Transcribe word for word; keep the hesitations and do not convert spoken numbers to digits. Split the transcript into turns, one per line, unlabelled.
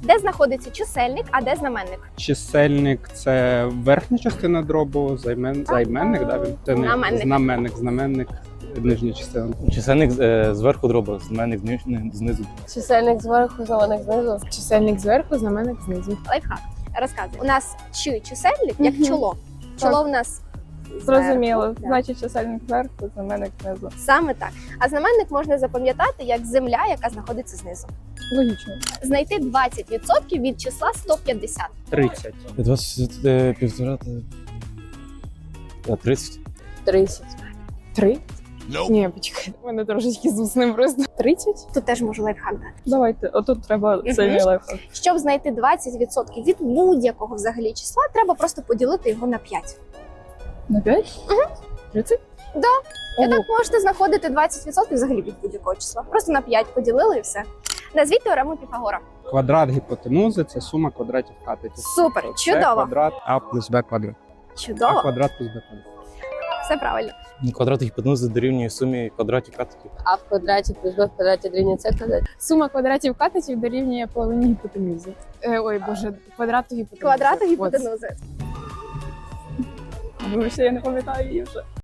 Де знаходиться чисельник, а де знаменник?
Чисельник – це верхня частина дробу, займен... займенник, да? Він це не
Знаменник.
знаменник, знаменник, нижня частина.
Чисельник е, зверху дроба, знаменник зни- знизу.
Чисельник зверху, знаменник знизу.
Чисельник зверху, знаменник знизу.
Лайфхак. Розказуй. У нас чи чисельник, як
Мгм.
чоло. Чоло в нас
Зрозуміло.
зверху, да.
Значить, чисельник зверху, знаменник знизу.
Саме так. А знаменник можна запам'ятати як земля, яка знаходиться знизу.
Логічно.
Знайти двадцять відсотків від числа сто п'ятдесят.
тридцять.
двадцять е, півтора та а, тридцять.
тридцять.
Три? Ні, почекай, у мене трошечки з усним просто. Тридцять?
Тут теж можу лайфхак дати.
Давайте, отут треба
Мгм.
сильний лайфхак.
Щоб знайти двадцять відсотків від будь-якого взагалі числа, треба просто поділити його на п'ять.
На п'ять? тридцять?
Да. І так можете знаходити двадцять відсотків взагалі від будь-якого числа. Просто на п'ять поділили і все. Назвіть теорему Піфагора.
Квадрат гіпотенузи – це сума квадратів катетів.
Супер,
Це
чудово.
квадрат А плюс Б квадрат. А
Чудово.
квадрат плюс Б квадрат.
Все правильно.
Квадрат гіпотенузи дорівнює сумі квадратів катетів.
А в квадраті плюс b в квадраті дорівнює c квадрат.
Сума квадратів катетів дорівнює половині гіпотенузи. Е, ой, боже, квадрату гіпотенузи.
Квадрату
От.
гіпотенузи.
Тому що я не пам'ятаю її вже.